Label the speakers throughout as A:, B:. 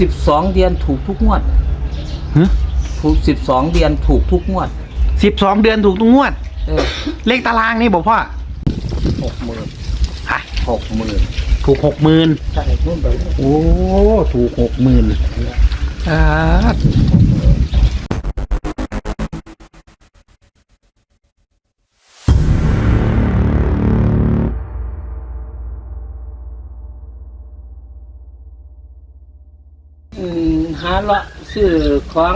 A: 12 เดือนถูกทุกงวด
B: ฮะ
A: ถูก12 เดือนถูกทุกงวด
B: 12 เดือนถูกทุกงวด เลขตารางนี่บอกพ่อ
A: 60,000
B: อ่ะ
A: 60,000
B: ถูก 60,000
A: ใช่นู่นไปเลย
B: โอ้ถูก 60,000อ่า
A: หาเลาะซื้อของ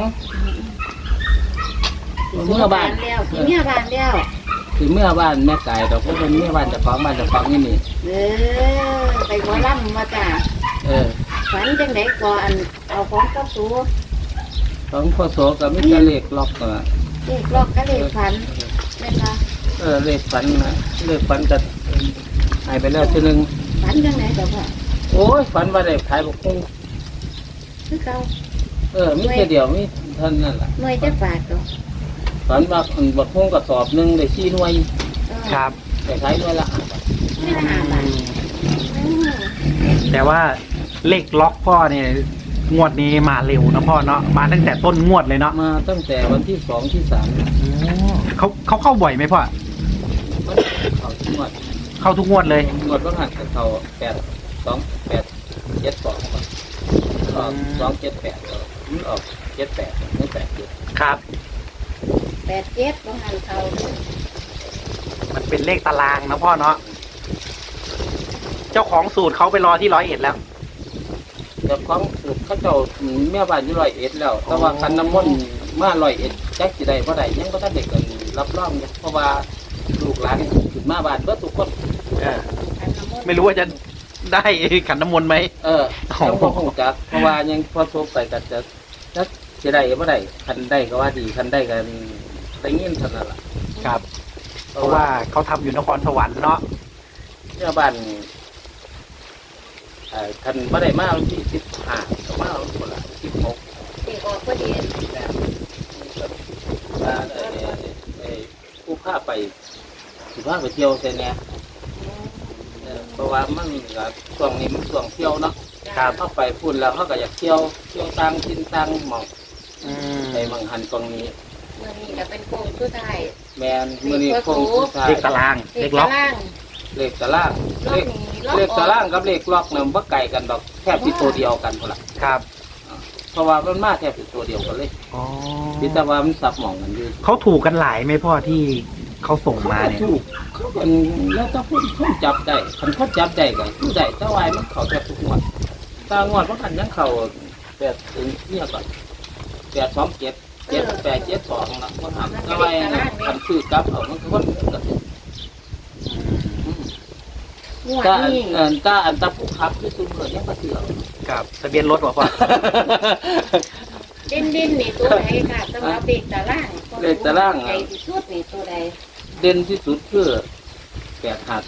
A: เมื่อบ้าน
C: แล้วสิเมื่อบ้านแล้ว
A: คือเมื่อบ้านแม่ไก่ดอกเพราะเป็นเมื่อบ้านเจะของบ้านเจะของนี่นี่
C: เออไปหมอลำมาจ้ะ
A: เออ
C: ฝันจังไดก่อนเอาของกับสู
A: ของพ่อโสกับมิตรเลขล็อกอ่ะ
C: เลขลอกก็เลขฝันเป็นว่า
A: เลขฝันนะเลขฝันจะหายไปแล้วทีนึง
C: ฝันจังไดเดี๋ยวพ่อ
A: โอ้ยฝันว่าได้ขายบกคุ้ง
C: คือเก่า
A: มีแค่เดียวมีเท่านั้นแหละ
C: หน่วยจะบาทตัว
A: ฝันว่าบกคุ้งกระสอบหนึ่งได้4 หน่วย
B: ครับ
A: ได้ขายหน่วยละ5 บาท
C: ไม่ละ5 บาท
B: แต่ว่าเลขล็อกพ่อเนี่ยงวดนี้มาเร็วนะพ่อเนาะมาตั้งแต่ต้นงวดเลยเนาะ
A: มาตั้งแต่วันที่2 ที่ 3
B: เขาเข้าบ่อยไหมพ่อ
A: เขาทุกงวด
B: เข้าทุกงวดเลย
A: งวดก็หักกับเขา82872ก่อนออก278มันออก78ไม่87
B: ครับ
C: 87บ่หันเขา
B: มันเป็นเลขตารางนะพ่อเนาะเจ้าของสูตรเขาไปรอที่101แล้ว
A: เจ้าของสูตรเขาเจ้าแม่บ้านอยู่101แล้ว แต่ว่าคันน้ำมนต์มา101จักสิได้บ่ได้ยังบ่ทันได้เกินรับรองอยู่เพราะว่าลูกหลานขึ้นมาบ้านเบิดทุกคน
C: อันน้ำมนต์
B: ไม่รู้ว่าจะได้ขันน้ำมนต์ไหม
A: ยังบ่ฮู้จักเพราะว่ายังพอโทรไปก็จะจักสิได้บ่ได้คันได้ก็ว่าดีคันได้ก็ได้ยินเท่านั้นล่ะ
B: ครับ เพราะว่าเขาทำอยู่นครสวรรค์เนาะ
A: แม่บ้านคันบ่ได้มาวันที่15ก็มาวันพุ่นละ16
C: เลขออกพอดี
A: ผู้พาไปสิพาไปเที่ยวใช่ไหมเพราะว่ามันก็ช่วงนี้มันช่วงเที่ยวเนาะเข้าไปพูดแล้วเขาก็อยากเที่ยวต่างถิ่นต่างหมองในบางหันตรงนี้
C: มื้อนี้ก็เป็นโค้งสุดท้าย
A: แมนมือนี้คงสุดท้าย
B: เลขตารางเลขล็อก
A: เลขตารางเลขตารางกับเลขล็อกเนี่ยมันบ่ไกลกันดอกแทบที่ตัวเดียวกันพุ่นละ
B: ครับ
A: เพราะว่ามันมาแทบที่ตัวเดียวกันเลย
B: อ๋อ
A: ที่แต่ว่ามันสับหมองกันอยู่
B: เขาถูกกันหลายไหมพ่อที่เขาส่งมาเนี่ย
A: ถูกเขาเป็นแล้วถ้าพูดจับได้คันเขาจับได้ก็คือได้แต่วายมันเขาแทบทุกงวดตางวดเพราะคันยังเขา8ถึงเนี่ยก่อน827 7872นะว่าทำแต่วายคันซื้อกลับเอามันก็คนก็ถูก
C: งวด
A: ถ้า
C: นี้
A: ถ้าอันตะผู้ขับคือซุ่มเลยยังก็เสือ
B: ครับทะเบียนรถวะพ่อ
C: เด่นนี่ตัวใดค่ะสำหรับเลขตาราง
A: เลขตาราง
C: ใหญ่ที่สุดนี่ตัวใด
A: เด่นที่สุดคือ852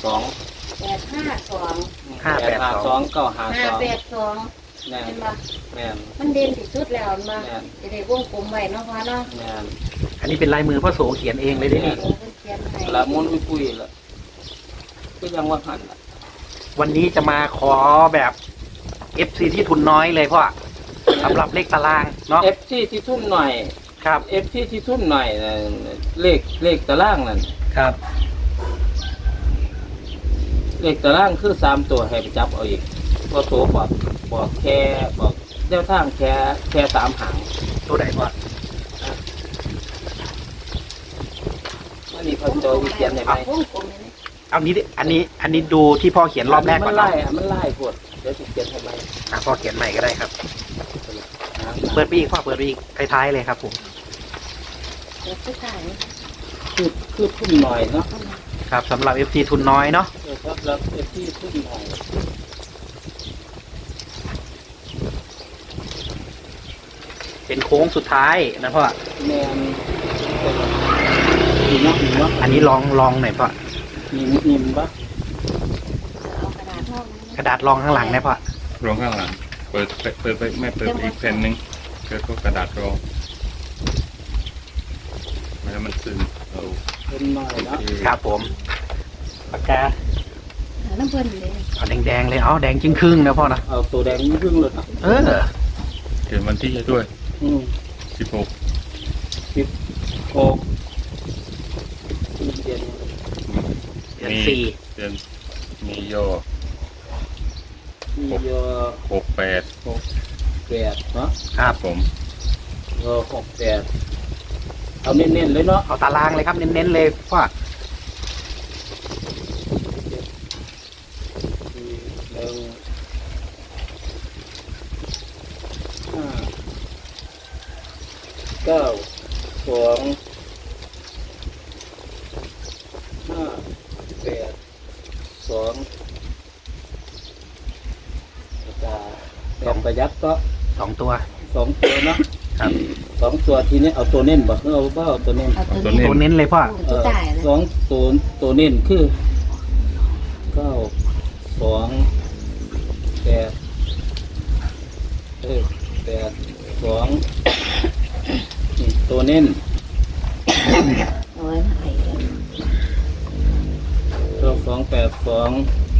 C: 852
A: 852 952
C: 582
A: แม่น
C: เห็นบ่
A: แม่น
C: มันเด่นที่สุดแล้วมา
A: แม่น
C: จะได้วงกลมไว้เนาะพ่อเนาะ
A: แม่น
B: อันนี้เป็นลายมือพ่อโสเขียนเองเลยดินี่
C: โอ้เพิ่นเขียนให้
A: ละมุนปุยๆละก็ยังว่าหันล่ะ
B: วันนี้จะมาขอแบบ FC ที่ทุนน้อยเลยพ่อสำหรับเลขตารางเนาะ
A: FC ที่ทุ่มหน่อย
B: ครับ
A: FC ที่ทุ่มหน่อยน่ะเลขตารางนั่น
B: ครับ
A: เลขตารางคือ3ตัวให้ไปจับเอาอีกก็โตบอกแค่บอกแนวทางแค่3 หาง
B: ตัวไหนพ่อ
A: อันนี้เขาโจที่เขียนได้ไหม
C: วงกลมนี่นะ
B: เอานี้ดิอันนี้ดูที่พ่อเขียนรอบแรกก่อน
A: มัน
B: เนาะ
A: ไล่พวดเดี๋ยวจะเขียนทำไม
B: พ่อเขียนใหม่ก็ได้ครับ เปิดไปอีกพ่อเปิดไปอีกท้ายๆเลยครับผม
C: เดี๋ยวสุดท้าย
A: คือทุ่มหน่อยเนาะ
B: ครับสำหรับ FC ทุนน้อยเนาะ
A: ครับแล้วที่ทุ่มหน่อย
B: เป็นโค้งสุดท้ายนะพ่อ
A: แมนมีเนาะ
B: อันนี้ลองหน่อยพ่อ
A: มีปะ
C: เอากระดาษห้อง
B: กระดาษรองข้างหลังนะพ่อ
D: รองข้างหลังเปิดไปไม่เปิดไปอีกแผ่นหนึ่งเปิดก็กระดาษรองไม่ให้มันซึมเอา
A: เป็นหน่อยเนาะ
B: ครับผมปากกา
C: น้ำเพิ่นเลย
B: เอาแดงๆเลยเอาแดงจึงครึ่งนะพ่อนะ
A: เอาตัวแดงนี่ครึ่งเลยเนาะ
B: เออ
D: เขียนวันที่ให้ด้วย 16
A: 16เดือน
B: เดือนสี่
D: เดือนมีย่อ
A: มียอ
D: 68
A: 68เนาะ
B: ครับ
D: ผม
A: 68เอาเน้นๆเลยเนาะ
B: เอาตารางเลยครับเน้นๆเลยพ่อ
A: 9 2 5 8 2 5 8 2 9 2 5 8 2 5 8 2 ประยัดก็
B: 2 ตัว
A: 2 ตัวเนาะ
B: ครับ
A: 2 ตัวทีนี้เอาตัวเน้นบ่เอาบ่เอาตัวเน้น
C: เอา
D: ตั
C: ตัว ว
D: นี้
C: นี้
B: ตัวเน้นเลยพ่อ
C: ตัวจ่ายนะ
A: สองตัวเน้นคือ9 2 8 8 2นี่ตัวเน้น
C: เอาไว้มาให้กัน
A: ตัว2 8 2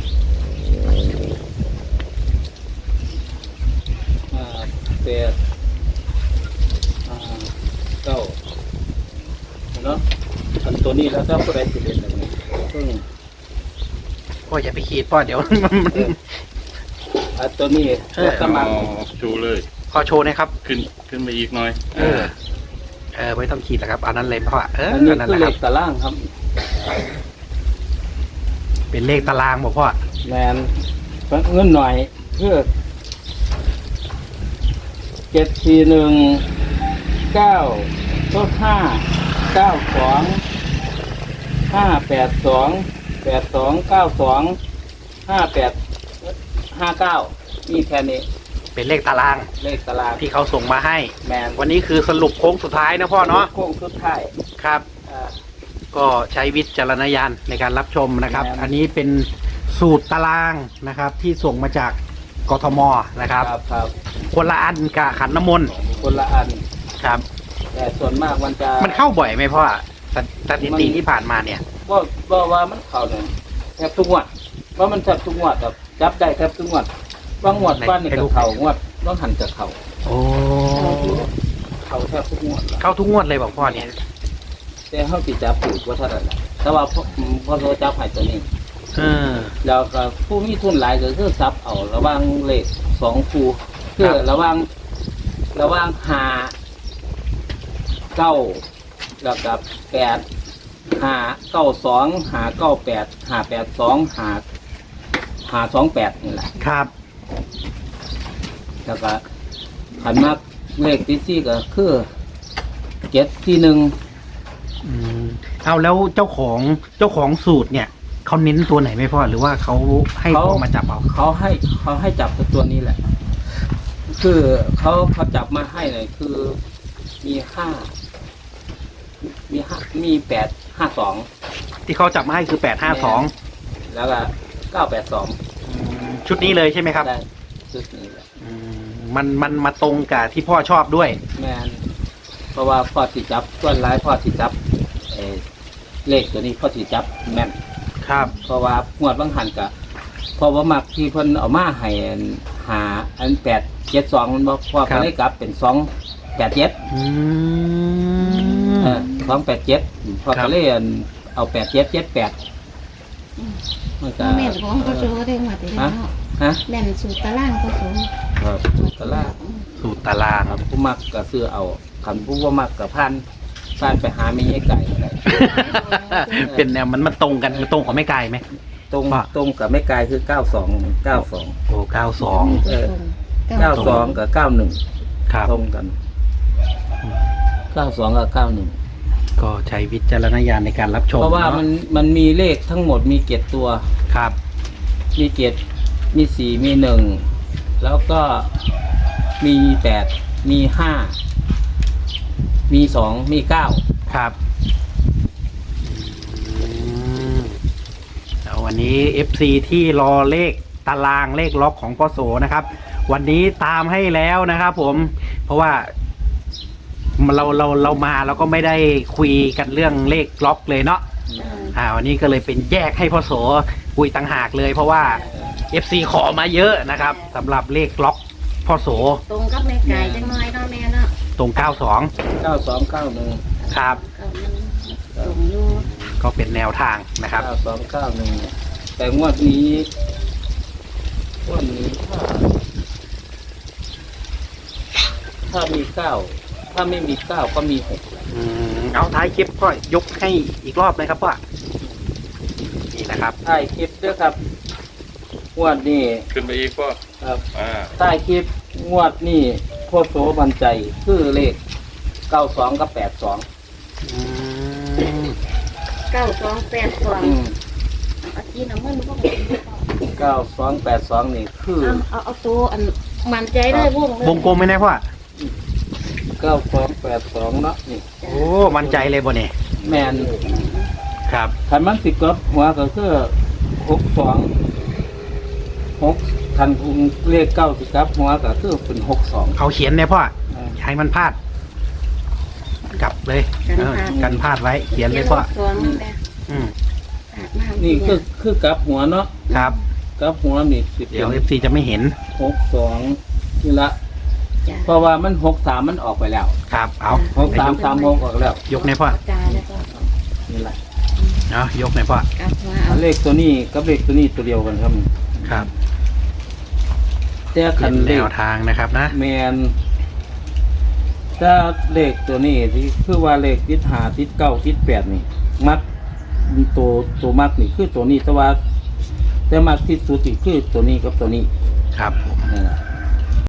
A: 5 8 5 9เนาะอันตัวนี้แล้วถ้าผู้ใดสิเล่นแบบนี้ซึ่ง
B: พ่ออย่าไปขีดพ่อเดี๋ยว
A: อันตัวนี้
B: เออ
A: สมัคร
D: ชูเลย
B: ขอโชว์หนะครับ
D: ขึ้นไปอีกหน่อย
B: ไม่ต้องขีดแล้วครับอันนั้นเลยพ่อ
A: อันนี้
B: นั่น
A: คือ
B: แหละ
A: เล
B: ครับ
A: ขตารางครับ
B: เป็นเลขตารางบอกพ่อ
A: แมนเงินหน่อยเพื่อ741 9ต้น5 92 582 82 92 58 59มีแค่นี้
B: เป็นเลขตาราง
A: เลขตาราง
B: ที่เขาส่งมาให้
A: แมน
B: วันนี้คือสรุปโค้งสุดท้ายนะพ่อเนาะ
A: โค้งสุดท้าย
B: ครับ
A: อ่า
B: ก็ใช้วิจารณญาณในการรับชมนะครับ
A: ครับ
B: อันนี้เป็นสูตรตารางนะครับ ที่ส่งมาจากกทมนะครับ
A: ครับ
B: คนละอันกับขันน้ำมนต์
A: คนละอัน
B: ครับ
A: แต่ส่วนมากมันจะ
B: มันเข้าบ่อยไหมพ่อสถิติที่ผ่านมาเนี่ย
A: ว่ามันเข้าเนี่ยแทบทุกงวดว่ามันแทบทุกงวดแบบจับได้แทบทุกงวดบางงวดบ้านนี่ก็เข้างวดบางหันจะเข้า
B: โอ้
A: เข้าแทบทุกงวด
B: เข้าทุกงวดเลยบอกพ่อเนี่ย
A: แต่เฮาสิจับถูกว่าเท่านั้นแหละแต่ว่าพอโทรจับให้ตัวนี้
B: เออ
A: แล้วก็ผู้มีทุนหลายก็คือซับเอาระหว่างเลข2คู่คือ
B: ครับ
A: ระหว่าง5 9แล้วก็8 5 9 2 5 9 8 5 8 2 5 2 8นี่แหละ
B: ครับ
A: แล้วก็ขันมากเลขที่4ก็คือ7ที่1
B: อืมเอาแล้วเจ้าของสูตรเนี่ย เขาเน้นตัวไหนไหมพ่อหรือว่าเขาให้พ่อมาจับเอา
A: เขาให้จับตัวนี้แหละ คือเขาจับมาให้เลยคือมีมี8
B: ที่เขาจับมาให้คือ852
A: 5 2แล้วก็982
B: ชุดนี้เลยใช่ไหมครับ
A: ได้ชุดนี้แหละ
B: มันมาตรงกับที่พ่อชอบด้วย
A: แมนเพราะว่าพ่อสิจับส่วนร้ายพ่อสิจับเลขตัวนี้พ่อสิจับแม่น
B: ครับ
A: เพราะว่างวดบางหันกะเพราะว่ามักที่เพิ่นเอามาให้หาอัน872มันบ่พอ
B: ครั
A: ก็
B: บ
A: เลยกลับเป็น287
B: อืม
A: 287พอ
B: ครั
A: ก็
B: บ
A: เลยเอา8778มันก็
C: แม่นของเขาโชว์ได้หมดเลยเนาะ
A: ฮะ
C: แม่นสูตรตารางเขาโชว์
A: ครับตลาด
B: สูตรตาราง
A: ครับผู้มักก็ซื้อเอาคันผู้บ่มักก็ผ่านไปหามีไอ้ไก่ก็ได้
B: เป็นแนวมันตรงกันมันตรงของไม่ไกลไหม
A: ตรง
B: ว่า
A: ตรงกับไม่ไกลคือ92
B: โอ้92
A: เออ 92กับ91
B: ครับ
A: ตรงกัน92กับ91
B: ก็ใช้วิจารณญาณในการรับชม
A: เพราะว่า
B: เนอ
A: มันมีเลขทั้งหมดมี7ตัว
B: ครับ
A: มี7มี4มี1แล้วก็มี8มี5มี2มี9
B: ครับแล้ววันนี้ FC ที่รอเลขตารางเลขล็อกของพ่อโสนะครับ วันนี้ตามให้แล้วนะครับผมเพราะว่าเรามาเราก็ไม่ได้คุยกันเรื่องเลขล็อกเลยเนาะวันนี้ก็เลยเป็นแยกให้พ่อโสคุยต่างหากเลย เพราะว่า FC ขอมาเยอะนะครับสำหรับเลขล็อกพ่อโส
C: ตรงกับแม่ไก่จังน้อยเนาะแม่เนาะ
B: ตรง92
A: 9291
B: ครับ
C: ก็มันตรงอยู่
B: ก็เป็นแนวทางนะครับ
A: 9291แต่งวดนี้ถ้ามี9ถ้าไม่มี9ก็มี6
B: เอาท้ายคลิปก็ยกให้อีกรอบเลยครับพ่อนี่นะครับ
A: ท้ายคลิปด้วยครับงวดนี้
D: ขึ้นไปอีกพ่อ
A: ครับ
D: อ่า
A: ท้ายคลิปงวดนี้โคโสบันใจคือเลข92กับ82
B: อืม
C: 9282
A: อืม
C: เอาที่น้ำมันพวก
A: 9282นี่คือ
C: เอาตัวอันมันใจเลยวงเลยว
B: งกลมไหมนะพ่อ
A: 9282เนาะนี่
B: โอ้มั่นใจเลยบ่เนี่ย
A: แมน
B: ครับ
A: คันมันสิกลับหัวก็คือ62 6คันคุงเลข9สิกลับหัวก็คือเป็น62
B: เอาเขียนเนี่ยพ่ออย่าให้มันพลาด กลับเลยกันพลาดไว้ เขียนเลยพ่อ
C: สองนี่แหละ
B: อืม
C: ขาดมาก
A: นี่คือกลับหัวเนาะ
B: ครับ
A: กลับหัวนี่สิ
B: เดี๋ยว FC จะไม่เห็น
A: 62นี่ละ
C: จ้ะ
A: เพราะว่ามัน63มันออกไปแล้ว
B: ครับ เอา
A: 6336ออกแล้ว
B: ยกในพ่อ
C: จาแล้วก็
A: นี่แหละ
B: เอายกในพ่อก
C: ลับมาเอา
A: เลขตัวนี้กับเลขตัวนี้ตัวเดียวกันครับ
B: ครับ
A: แต่คั
B: เป็น น
A: เล
B: แน
A: ข
B: วทางนะครับนะ
A: แมนถ้าเลขตัวนี้ที่คือว่าเลขทิศหาทิศ9ทิศ8นี่ มักตัวมักนี่คือตัวนี้แต่ว่าแต่มักที่สุดนี่คือตัวนี้กับตัวนี้
B: ครับผม
A: นั่นแหละ